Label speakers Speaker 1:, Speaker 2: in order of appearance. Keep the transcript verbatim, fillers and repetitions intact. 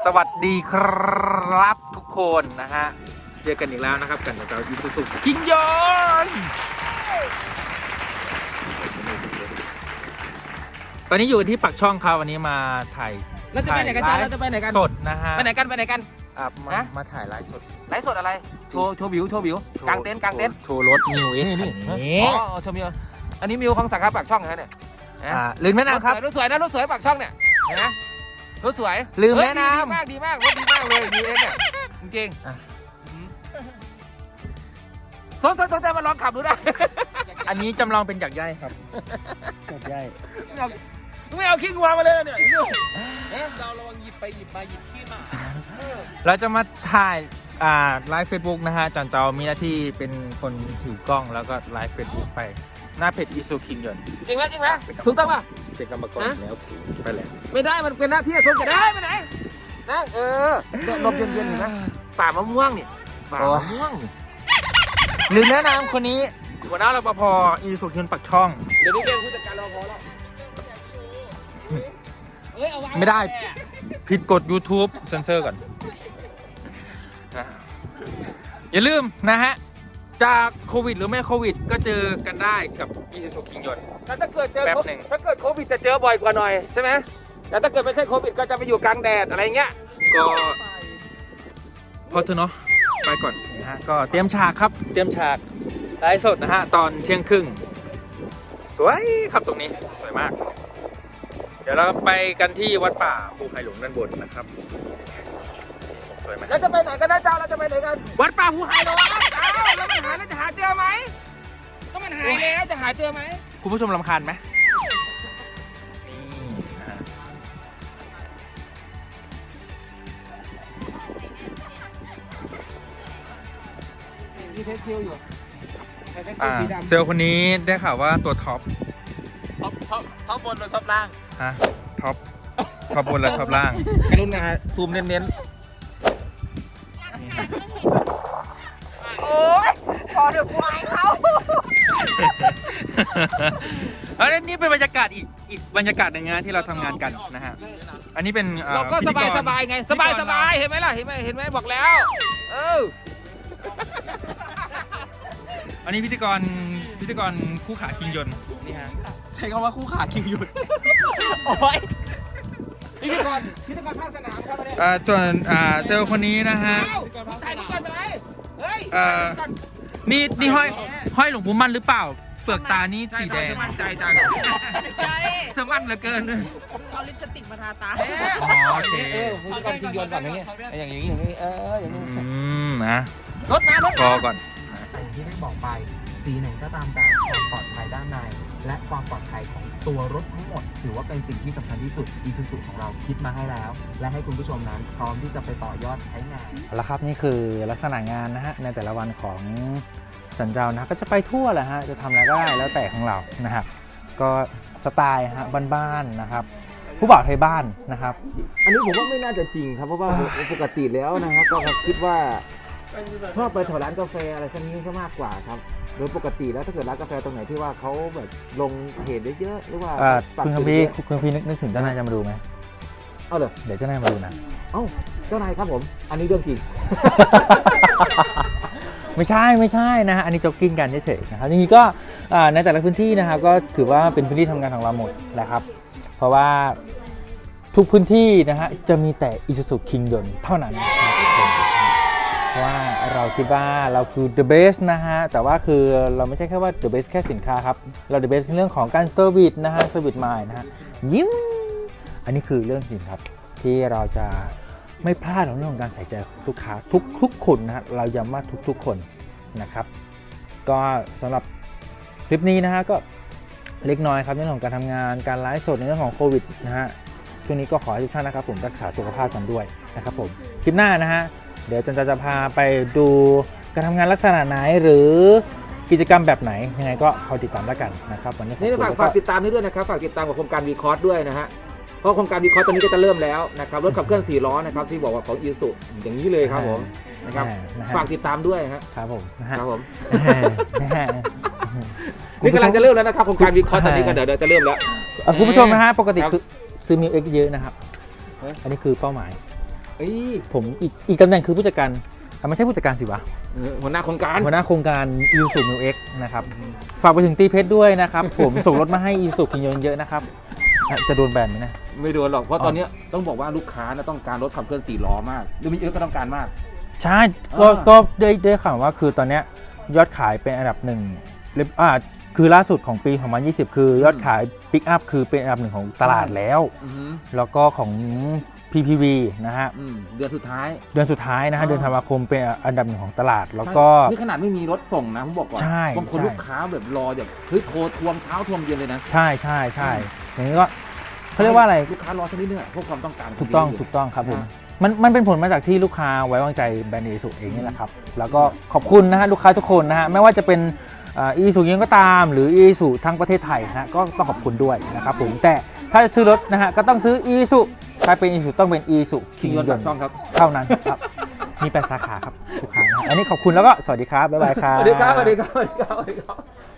Speaker 1: สวัสดีครับทุกคนนะฮะเจอกันอีกแล้วนะครับกันกับเราอีซูซูคิงยอนตอนนี้อยู่ที่ปักช่องครับวันนี้มาถ่าย
Speaker 2: เราจะไปไหนกันจ้าเราจะไปไหนกัน
Speaker 1: สดนะฮะ
Speaker 2: ไปไหนกันไปไหนกัน
Speaker 1: อ่ะมา
Speaker 2: ฮะ
Speaker 1: มาถ่ายไลฟ์สด
Speaker 2: ไลฟ์สดอะไรโชว์โชว์บิวโชว์บิวกางเต็นท์กางเต็นท์
Speaker 1: โชว์รถนิวเอส
Speaker 2: นี่นี่
Speaker 1: นี่
Speaker 2: อ๋อโชว์บิวอันนี้มิวของสังกัดปากช่องนะเนี่ย
Speaker 1: อ่าลืมแนะนำครับ
Speaker 2: รถสวยนะรถสวยปากช่องเนี่ยเห็นไหมรถสวย
Speaker 1: ลืม
Speaker 2: เฮ้ย
Speaker 1: แนะนำ
Speaker 2: ดีมากดีมากรถดีมากเลยมิวเอสเนี่ยจริง
Speaker 1: อ่ะ
Speaker 2: ๆสนสนใจมาลองขับดูได้
Speaker 1: อันนี้จำลองเป็นจากย่ายครับจากย่าย
Speaker 2: ไม่เอาขี้งัวมาเลยเนี่ย
Speaker 3: เราระวังหยิบไปหยิบมาหยิบขี้มา
Speaker 1: เราจะมาถ่ายอ่าไลฟ์เฟซบุ๊กนะฮะจอนเจามีหน้าที่เป็นคนถือกล้องแล้วก็ไลฟ์เฟซบุ๊กไปหน้าเพจอีซูคิงยอน
Speaker 2: จริงไหมจริงไหมถูกต้องป่ะ
Speaker 1: เป็นกรรมกรแล้วไปแล้ว
Speaker 2: ไม่ได้มันเป็นหน้าที่ทุกจะได้ไปไหนนั่งเออเนี่ยลมเย็นๆเห็นไหมป่ามะม่วงนี่ป่ามะม่วงนี่
Speaker 1: ลืมแนะนำคนนี้หัวหน้ารปภอีซูคิงยอนปักช่อง
Speaker 2: เดี๋ยวนี้เป็นผู้จัดการรปภแล้วเอ้ยเอาวาง
Speaker 1: ไม่ได้ผิดกฎ YouTube เซ็นเซอร์ก่อนนะอย่าลืมนะฮะจากโควิดหรือไม่โควิดก็เจอกันได้กับอีซูคิงยอน
Speaker 2: แล้วถ้าเกิดเจอ
Speaker 1: แป๊บหนึ่ง
Speaker 2: ถ้าเกิดโควิดจะเจอบ่อยกว่าหน่อยใช่ไหมแต่ถ้าเกิดไม่ใช่โควิดก็จะไปอยู่กลางแดดอะไรเงี้ย
Speaker 1: ก็พอเถอะเนาะไปก่อนนะฮะก็เตรียมฉากครับเตรียมฉากไลฟ์สดนะฮะตอนเที่ยงครึ่งสวยครับตรงนี้สวยมาก เดี๋ยวเราไปกันที่วัดป่าภูไผ่หลวงด้านบนนะครับสวยไหม
Speaker 2: แล้วจะไปไหนกันนะเจ้าเราจะไปไหนกันวัดป่าภูไฮโลเจ้าแล้วมันหาแล้วจะหาเจอไหมก็มันหายแล้วจะหาเจอไหม
Speaker 1: คุณผู้ชมรำคาญไหมนี่นะฮะ
Speaker 2: มีเทสคิวอยู่เทสคิว
Speaker 1: อ่า
Speaker 2: สีดำ
Speaker 1: เซลล์คนนี้ได้ข่าวว่าตัวท็อป
Speaker 3: ท็อปท็อปท็อปบนหรือท็อปล่าง
Speaker 1: ฮะท็อปท็อปบนและท็อปล่าง
Speaker 2: กรุณาซูมเน้น
Speaker 3: โอ้ยพอเดี๋ยวกูอายเขา
Speaker 1: แล้วนี่เป็นบรรยากาศอีกอีกบรรยากาศหนึ่งนะที่เราทำงานกันนะฮะอันนี้เป็น
Speaker 2: ๆ
Speaker 1: อ่อ
Speaker 2: เราก็
Speaker 1: พิ
Speaker 2: ส
Speaker 1: ธี
Speaker 2: บาย
Speaker 1: ร
Speaker 2: สบายไงสบายสบายเห็นไหมล่ะเห็นไหมเห็นไหมบอกแล้วเออ
Speaker 1: อันนี้พิธีกรพิธีกรคู่ขาคิงยนต์นี่ฮะ
Speaker 3: ใช้คำว่าคู่ขาคิงหยุดโอ้ย
Speaker 2: พิธีกรพิธีกรภาคสนามครับวันนี้
Speaker 1: อ่าส่วนอ่าเซลล์คนนี้นะฮะ
Speaker 2: เอ้าถ่ายรูปก่อนไปเลยเฮ้ย
Speaker 1: เอ่อ
Speaker 2: ถ่ายรูปก่อน
Speaker 1: นี่นี่ห้อยห้อยหลวงปู่มั่นหรือเปล่า เปลือกตานี่สีแดง
Speaker 2: มั่นใจจัง
Speaker 4: ใช่
Speaker 1: เธอมั่นเหลือเกิน
Speaker 4: คือเอาลิปสติกมาทาตา
Speaker 1: อ๋อโอเค
Speaker 2: เออพิธีกรชิงยนต์ก่อนอย่างเงี้ยอย่างนี้อย่างนี้เอออย่างนี้
Speaker 1: อืมนะ
Speaker 2: รถน้ำรถ
Speaker 1: พอ
Speaker 2: น้ำ
Speaker 1: ก่อน
Speaker 5: อย่างที่ได้บอกไปสีไหนก็ตามแต่ความปลอดภัยด้านใน และความปลอดภัยของตัวรถทั้งหมด ถือว่าเป็นสิ่งที่สำคัญที่สุด Isuzu ของเราคิดมาให้แล้ว และให้คุณผู้ชมนั้นพร้อมที่จะไปต่อยอดใช้งาน
Speaker 6: แล้วครับนี่คือลักษณะงานนะฮะในแต่ละวันของสันเจ้านะก็จะไปทั่วแหละฮะจะทำอะไรก็ได้แล้วแต่ของเรานะครับก็สไตล์ฮะบ้านๆนะครับผู้บ่าวไทยบ้านนะครับ
Speaker 2: อันนี้ผมว่าไม่น่าจะจริงครับเพราะว่าปกติแล้วนะครับก็คิดว่าชอบไปแถวร้านกาแฟอะไรพวกนี้ซะมากกว่าครับโดยปกติแล้วถ้าเกิดร้านกาแฟตรงไหนที่ว่าเขาแบบลงเพจเยอะๆหรือว่า
Speaker 6: เอ่อ
Speaker 2: ปัก
Speaker 6: คุณ
Speaker 2: จุ
Speaker 6: คั
Speaker 2: ด
Speaker 6: มพีร์
Speaker 2: เยอะ
Speaker 6: คุณคัมพีร์นึกนึกถึงเจ้านายจะมาดูไหม
Speaker 2: ๆเอาเลย
Speaker 6: เดี๋ยวเจ้านายมาดูนะ
Speaker 2: เอ้าเจ้านายครับผมอันนี้เรื่องจริง
Speaker 6: ไม่ใช่ไม่ใช่นะฮะอันนี้จ็อกกิ้งกันเฉยๆนะครับจริงๆก็อ่าในแต่ละพื้นที่นะครับก็ถือว่าเป็นพื้นที่ทำงานของเราหมดนะครับเพราะว่าทุกพื้นที่นะฮะจะมีแต่ Isuzu Kingdom เท่านั้นนะครับเพราะว่าเราคิดว่าเราคือ the best นะฮะแต่ว่าคือเราไม่ใช่แค่ว่า the best แค่สินค้าครับเรา the best ในเรื่องของการ service นะฮะ service mind นะฮะยิ้มอันนี้คือเรื่องจริงครับที่เราจะไม่พลาดในเรื่องของการใส่ใจลูกค้าทุกทุกคนนะฮะเราย้ำว่าทุกๆคนนะครับก็สำหรับคลิปนี้นะฮะก็เล็กน้อยครับในเรื่องของการทำงานการไลฟ์สดในเรื่องของโควิดนะฮะช่วงนี้ก็ขอให้ทุกท่านนะครับผมรักษาสุขภาพกันด้วยนะครับผมคลิปหน้านะฮะเดี๋ยวจันจะพาไปดูการทำงานลักษณะไหนหรือกิจกรรมแบบไหนยังไงก็คอยติดตามแล้วกันนะครับวันนี้ขอบ
Speaker 2: นี่
Speaker 6: คุณ
Speaker 2: ฝาก
Speaker 6: แล้ว
Speaker 2: ฝาก
Speaker 6: ก็
Speaker 2: ติดตามนี้ด้วยนะครับฝากติดตามกับโครงการวีคอร์สด้วยนะฮะเพราะโครงการวีคอร์สตอนนี้ก็จะเริ่มแล้วนะครับรถขับเคลื่อนสี่ล้อนะครับที่บอกว่าของอีสุอย่างนี้เลยครับผมนะครับ
Speaker 6: นะฮะ
Speaker 2: ฝากติดตามด้วยฮะ
Speaker 6: ครับผมนะฮะ
Speaker 2: ครับผม
Speaker 6: นะฮะ
Speaker 2: นี่กำลังจะเริ่มแล้วนะครับโครงการวีคอร์สตอนนี้ก็เดี๋ยวเดี๋ยวจะเริ่มแล้ว
Speaker 6: เอ่อคุณผู้ชมนะฮะปกติ
Speaker 2: ครับ
Speaker 6: คือซื้อมิวเอ็กเยอะนะครับ
Speaker 2: เอ๊ะ
Speaker 6: อันนี้คือเป้าหมาย
Speaker 2: เอ้ย
Speaker 6: ผมอีกอีกตำแหน่งคือผู้จัดการอ่ะไม่ใช่ผู้จัดการสิวะ
Speaker 2: เออหัวหน้าโครงการ
Speaker 6: หัวหน้าโครงการอีซูมิวเอ็กนะครับฝากไปถึงตีเพชรด้วยนะครับ ผมส่งรถมาให้อีซูคิงยนเยอะนะครับอ่ะจะโดนแบนไหมนะ
Speaker 2: ไม่โดนหรอกเพราะ
Speaker 6: อ๋อ
Speaker 2: ตอนเนี้ยต้องบอกว่าลูกค้านะต้องการรถขับเคลื่อนสี่ล้อมากหรือมีเออก็ต้องการมาก
Speaker 6: ใช่ก็
Speaker 2: อ่า
Speaker 6: ก็ได้ได้ข่าวว่าคือตอนเนี้ยยอดขายเป็นอันดับหนึ่งเรียบอ่าคือล่าสุดของปีสองพันยี่สิบคือยอดขายปิกอัพคือเป็นอันดับหนึ่งของตลาดแล้ว
Speaker 2: อือหือ
Speaker 6: แล้วก็ของ พี พี วี นะฮะ
Speaker 2: อืมเดือนสุดท้าย
Speaker 6: เดือนสุดท้ายนะฮะ
Speaker 2: อ่า
Speaker 6: เดือนธันวาคมเป็นอันดับหนึ่งของตลาด แล้วก็
Speaker 2: ใช่นี่ขนาดไม่มีรถส่งนะผมบอกก่อน
Speaker 6: ใช่
Speaker 2: บางคน
Speaker 6: ใช่
Speaker 2: ลูกค้าแบบรอแบบเฮ้ยโทรทวงเช้าทวงเย็นเลยนะ
Speaker 6: ใช่ใช่ใช่อย่างนี้ก็เขาเรียกว่าอะไร
Speaker 2: ลูกค้ารอสักนิดนึงอะเพราะความต้องการ
Speaker 6: ถูกต้อง
Speaker 2: ข
Speaker 6: ถูกต้องครับผม
Speaker 2: นะ
Speaker 6: มันมันเป็นผลมาจากที่ลูกค้าไว้วางใจแบรนด์อีซูเองนี่แหละครับ แล้วก็ขอบคุณนะฮะลูกค้าทุกคนนะฮะไม่ว่าจะเป็นอีซูยังก็ตาม หรืออีซูทั้งประเทศไทยนะฮะก็ต้องขอบคุณด้วยนะครับผมแต่ถ้าจะซื้อรถนะฮะก็ต้องซื้ออีซูถ้าเป็นอีซูต้องเป็นอีซู
Speaker 2: คิงยนต์แบบช่องครับ
Speaker 6: เท่านั้นครับมีแปดสาขาครับลูกค้านะฮะอันนี้ขอบคุณแล้วก็สวัสดีครับบ๊ายบายครับ
Speaker 2: สวัสดีครับสวัสดีครับสวัสดีครับสวัสดีครับ